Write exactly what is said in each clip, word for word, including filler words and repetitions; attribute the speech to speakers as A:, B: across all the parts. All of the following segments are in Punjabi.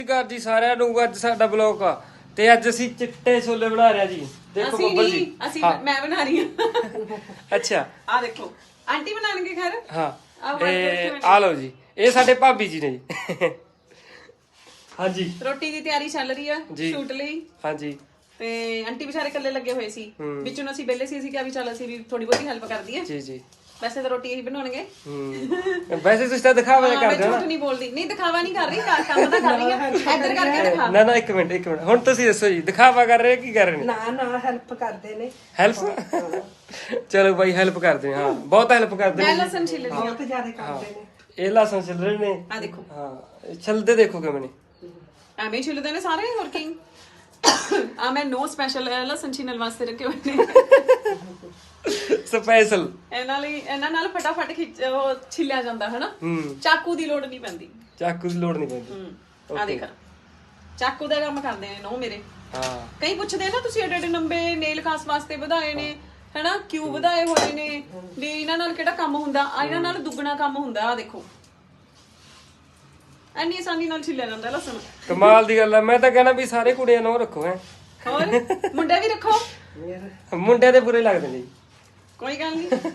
A: ਘਰ ਜੀ ਸਾਰਿਆਂ ਨੂੰ ਅੱਜ ਸਾਡਾ ਬਲੌਗ ਆ ਤੇ ਅੱਜ ਅਸੀਂ ਚਿੱਟੇ ਛੋਲੇ ਬਣਾ ਰਹੇ ਆ ਜੀ। ਦੇਖੋ ਬੱਬਲ ਜੀ
B: ਅਸੀਂ ਮੈਂ ਬਣਾ ਰਹੀ ਹਾਂ।
A: ਅੱਛਾ
B: ਆ ਦੇਖੋ ਆਂਟੀ ਬਣਾਣਗੇ ਖੈਰ।
A: ਹਾਂ ਇਹ ਆ ਲਓ ਜੀ, ਇਹ ਸਾਡੇ ਭਾਬੀ ਜੀ ਨੇ ਜੀ। ਹਾਂਜੀ
B: ਰੋਟੀ ਦੀ ਤਿਆਰੀ ਚੱਲ ਰਹੀ ਆ ਸ਼ੂਟ ਲਈ।
A: ਹਾਂਜੀ
B: ਤੇ ਆਂਟੀ ਵਿਚਾਰੇ ਇਕੱਲੇ ਲੱਗੇ ਹੋਏ ਸੀ, ਵਿੱਚੋਂ ਅਸੀਂ ਵਿਹਲੇ ਸੀ, ਅਸੀਂ ਕਿਹਾ ਵੀ ਚੱਲ ਅਸੀਂ ਵੀ ਥੋੜੀ ਬਹੁਤੀ ਹੈਲਪ ਕਰ ਦਈਏ। ਜੀ ਜੀ ਵੈਸੇ ਤਾਂ ਰੋਟੀ ਇਹੀ ਬਣਾਉਣਗੇ।
A: ਹੂੰ ਵੈਸੇ ਤੁਸੀਂ ਤਾਂ ਦਿਖਾਵਾ ਜਿਹਾ ਕਰਦੇ ਹੋ ਨਾ।
B: ਝੂਠ ਨਹੀਂ ਬੋਲਦੀ, ਨਹੀਂ ਦਿਖਾਵਾ ਨਹੀਂ ਕਰ ਰਹੀ, ਕੰਮ ਤਾਂ ਕਰ ਰਹੀ ਆ। ਇੱਧਰ ਕਰਕੇ ਦਿਖਾ।
A: ਨਾ ਨਾ ਇੱਕ ਮਿੰਟ ਇੱਕ ਮਿੰਟ ਹੁਣ ਤੁਸੀਂ ਦੱਸੋ ਜੀ, ਦਿਖਾਵਾ ਕਰ ਰਹੇ ਕੀ ਕਰ ਰਹੇ ਨੇ?
C: ਨਾ ਨਾ ਹੈਲਪ ਕਰਦੇ ਨੇ।
A: ਹੈਲਪ ਚਲੋ ਬਾਈ ਹੈਲਪ ਕਰਦੇ ਹਾਂ, ਬਹੁਤ ਹੈਲਪ ਕਰਦੇ
B: ਮੈਂ
A: ਨੇ।
B: ਲਸਣ ਛਿੱਲ ਰਹੀ ਹਾਂ।
C: ਬਹੁਤ ਜ਼ਿਆਦਾ ਕਰਦੇ ਨੇ।
A: ਇਹ ਲਸਣ ਛਿੱਲ ਰਹੇ ਨੇ।
B: ਆ ਦੇਖੋ
A: ਹਾਂ ਛਿੱਲਦੇ ਦੇਖੋ ਕਿਵੇਂ ਨੇ,
B: ਐਵੇਂ ਹੀ ਛਿੱਲਦੇ ਨੇ ਸਾਰੇ। ਹੋਰ ਕੀ ਆ ਮੈਂ ਨੋ ਸਪੈਸ਼ਲ ਲਸਣ ਛਿੱਲਣ ਵਾਸਤੇ ਰੱਖੇ ਹੋਏ ਨੇ
A: ਸਪੈਸ਼ਲ।
B: ਇਹਨਾਂ ਲਈ ਇਹਨਾਂ ਨਾਲ ਫਟਾਫਟ ਖਿੱਚ ਉਹ ਛਿੱਲਿਆ ਜਾਂਦਾ ਹੈ ਨਾ। ਚਾਕੂ ਦੀ ਲੋੜ ਨਹੀਂ ਪੈਂਦੀ।
A: ਚਾਕੂ ਦੀ ਲੋੜ ਨਹੀਂ ਪੈਂਦੀ।
B: ਹੂੰ ਆ ਦੇਖ ਚਾਕੂ ਦਾ ਕੰਮ ਕਰਦੇ ਨੇ ਨੋ ਮੇਰੇ।
A: ਹਾਂ
B: ਕਈ ਪੁੱਛਦੇ ਨਾ ਤੁਸੀਂ ਐਡੇ ਐਡੇ ਲੰਬੇ ਨੇਲ ਖਾਸ ਵਾਸਤੇ ਵਧਾਏ ਨੇ ਹੈਨਾ, ਕਿਉਂ ਵਧਾਏ ਹੋਏ ਨੇ, ਵੀ ਇਹਨਾਂ ਨਾਲ ਕਿਹੜਾ ਕੰਮ ਹੁੰਦਾ? ਆ ਇਹਨਾਂ ਨਾਲ ਦੁੱਗਣਾ ਕੰਮ ਹੁੰਦਾ। ਆ ਦੇਖੋ ਐਨੀ ਆਸਾਨੀ ਨਾਲ ਛਿੱਲਿਆ ਜਾਂਦਾ ਲਸਣ।
A: ਕਮਾਲ ਦੀ ਗੱਲ ਆ। ਮੈਂ ਤਾਂ ਕਹਿਣਾ ਵੀ ਸਾਰੇ ਕੁੜੀਆਂ ਨੂੰ ਰੱਖੋ ਹੈ,
B: ਹੋਰ ਮੁੰਡੇ ਵੀ ਰੱਖੋ।
A: ਮੁੰਡਿਆਂ ਦੇ ਬੁਰੇ ਲੱਗਦੇ ਨੇ ਜੀ।
B: ਕੋਈ ਗੱਲ ਨਹੀਂ।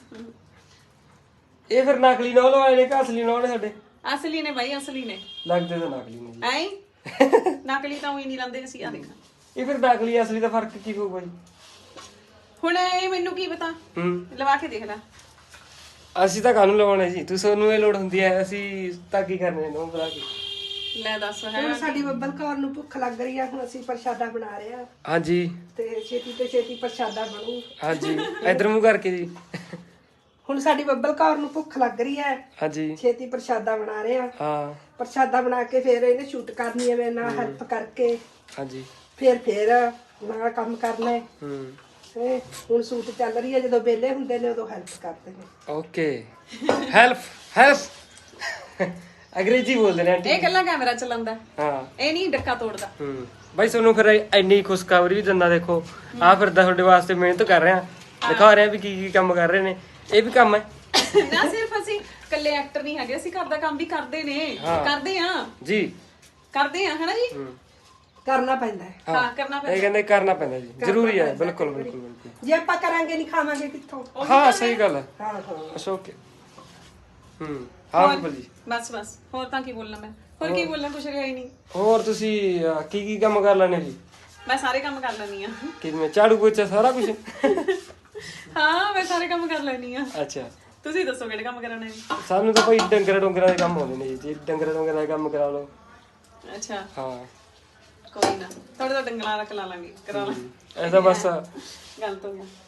A: ਇਹ ਫਿਰ ਨਕਲੀ ਨੌਲ ਵਾਲੇ ਨੇ ਕਿ ਅਸਲੀ ਨੌਲ ਸਾਡੇ?
B: ਅਸਲੀ ਨੇ ਬਾਈ, ਅਸਲੀ ਨੇ।
A: ਲੱਗਦੇ ਤਾਂ ਨਕਲੀ ਨੇ ਜੀ।
B: ਐਂ ਨਕਲੀ ਤਾਂ ਉਹੀ ਨਹੀਂ ਲਾਉਂਦੇ ਅਸੀਂ। ਆ ਦੇਖਾਂ
A: ਇਹ ਫਿਰ ਨਕਲੀ ਅਸਲੀ ਦਾ ਫਰਕ ਕੀ ਹੋਊਗਾ ਜੀ?
B: ਹੁਣ ਇਹ ਮੈਨੂੰ ਕੀ ਪਤਾ,
A: ਹੂੰ
B: ਲਵਾ ਕੇ ਦੇਖ ਲੈ।
A: ਅਸੀਂ ਤਾਂ ਕਾਹਨੂੰ ਲਵਾਉਣਾ ਜੀ, ਤੁਸੀਂ ਨੂੰ ਇਹ ਲੋੜ ਹੁੰਦੀ ਹੈ, ਅਸੀਂ ਤਾਂ ਕੀ ਕਰਨੇ ਨੂੰ ਬੁਲਾ ਕੇ।
B: ਲੈ ਦੱਸ ਹੈ।
C: ਹੁਣ ਸਾਡੀ ਬੱਬਲ ਕੌਰ ਨੂੰ ਭੁੱਖ ਲੱਗ ਰਹੀ ਆ, ਹੁਣ ਅਸੀਂ ਪ੍ਰਸ਼ਾਦਾ ਬਣਾ ਰਹੇ ਆ।
A: ਹਾਂਜੀ
C: ਤੇ ਛੇਤੀ ਤੇ ਛੇਤੀ ਪ੍ਰਸ਼ਾਦਾ ਬਣੂ।
A: ਹਾਂਜੀ ਇਧਰ ਮੂੰਹ ਕਰਕੇ ਜੀ।
C: ਹੁਣ ਸਾਡੀ ਬੱਬਲ ਕੌਰ ਨੂੰ ਭੁੱਖ ਲੱਗ ਰਹੀ ਹੈ,
A: ਹਾਂਜੀ
C: ਛੇਤੀ ਪ੍ਰਸ਼ਾਦਾ ਬਣਾ ਰਹੇ ਆ।
A: ਹਾਂ
C: ਪ੍ਰਸ਼ਾਦਾ ਬਣਾ ਕੇ ਫਿਰ ਇਹਨੇ ਸ਼ੂਟ ਕਰਨੀ ਹੈ, ਮੇਰੇ ਨਾਲ ਹੈਲਪ ਕਰਕੇ।
A: ਹਾਂਜੀ
C: ਫਿਰ ਫਿਰ ਨਾਲ ਕੰਮ ਕਰਨਾ ਹੈ।
A: ਹੂੰ
C: ਤੇ ਹੁਣ ਸ਼ੂਟ ਚੱਲ ਰਹੀ ਹੈ, ਜਦੋਂ ਵਿਹਲੇ ਹੁੰਦੇ ਨੇ ਉਦੋਂ ਹੈਲਪ ਕਰਦੇ ਨੇ।
A: ਓਕੇ ਹੈਲਪ ਹੈਲਪ ਅੰਗਰੇਜ਼ੀ ਬੋਲਦੇ ਨੇ ਆਂਟੀ।
B: ਇਹ ਕੱਲਾ ਕੈਮਰਾ ਚਲਾਉਂਦਾ,
A: ਹਾਂ
B: ਇਹ ਨਹੀਂ ਡੱਕਾ ਤੋੜਦਾ।
A: ਹੂੰ ਬਾਈ ਤੁਹਾਨੂੰ ਫਿਰ ਇੰਨੀ ਖੁਸ਼ਖਬਰੀ ਵੀ ਦਿੰਦਾ। ਦੇਖੋ ਆ ਫਿਰਦਾ ਤੁਹਾਡੇ ਵਾਸਤੇ ਮਿਹਨਤ ਕਰ ਰਿਹਾ, ਦਿਖਾ ਰਿਹਾ ਵੀ ਕੀ ਕੀ ਕੰਮ ਕਰ ਰਹੇ ਨੇ। ਇਹ ਵੀ ਕੰਮ ਹੈ
B: ਨਾ, ਸਿਰਫ ਅਸੀਂ ਇਕੱਲੇ ਐਕਟਰ ਨਹੀਂ ਹੈਗੇ, ਅਸੀਂ ਘਰ ਦਾ ਕੰਮ ਵੀ ਕਰਦੇ ਨੇ। ਕਰਦੇ ਆ
A: ਜੀ,
B: ਕਰਦੇ ਆ ਹਨਾ ਜੀ।
C: ਕਰਨਾ ਪੈਂਦਾ ਹੈ।
B: ਹਾਂ ਕਰਨਾ ਪੈਂਦਾ।
A: ਇਹ ਕਹਿੰਦੇ ਕਰਨਾ ਪੈਂਦਾ ਜੀ, ਜ਼ਰੂਰੀ ਹੈ। ਬਿਲਕੁਲ ਬਿਲਕੁਲ ਬਿਲਕੁਲ।
C: ਜੇ ਆਪਾਂ ਕਰਾਂਗੇ ਨਹੀਂ ਖਾਵਾਂਗੇ ਕਿੱਥੋਂ?
A: ਹਾਂ ਸਹੀ ਗੱਲ ਹੈ।
C: ਹਾਂ ਹਾਂ
A: ਅੱਛਾ ਓਕੇ। ਹੂੰ ਹਾਂ ਬਿਲਕੁਲ ਜੀ।
B: ਬਸ ਬਸ ਹੋਰ ਤਾਂ ਕੀ ਬੋਲਣਾ ਮੈਂ, ਹੋਰ ਕੀ ਬੋਲਣਾ, ਕੁਛ ਰਿਹਾ ਹੀ ਨਹੀਂ।
A: ਹੋਰ ਤੁਸੀਂ ਅਹ, ਕੀ ਕੀ ਕੰਮ ਕਰ ਲੈਣੇ ਜੀ?
B: ਮੈਂ ਸਾਰੇ ਕੰਮ ਕਰ ਲੈਣੀ ਆ।
A: ਕਿਵੇਂ ਝਾੜੂ ਪੋਚਾ ਸਾਰਾ ਕੁਝ?
B: ਹਾਂ ਮੈਂ ਸਾਰੇ ਕੰਮ ਕਰ ਲੈਣੀ ਆ।
A: ਅੱਛਾ
B: ਤੁਸੀਂ ਦੱਸੋ ਕਿਹੜੇ ਕੰਮ ਕਰਾਉਣੇ ਨੇ?
A: ਸਾਨੂੰ ਤਾਂ ਭਾਈ ਡੰਗਰ ਡੰਗਰਾਂ ਦੇ ਕੰਮ ਆਉਂਦੇ ਨੇ ਜੀ। ਜੇ ਡੰਗਰ ਡੰਗਰਾਂ ਦੇ ਕੰਮ ਕਰਾ ਲਓ।
B: ਅੱਛਾ
A: ਹਾਂ
B: ਕੋਈ ਨਾ, ਥੋੜੇ ਤਾਂ ਡੰਗਰਾਂ ਦਾ ਕਰਾ ਲਾਂਗੇ, ਕਰਾ ਲਾਂ।
A: ਐਸਾ ਬਸ
B: ਗੱਲ ਤੋਂ ਗਿਆ।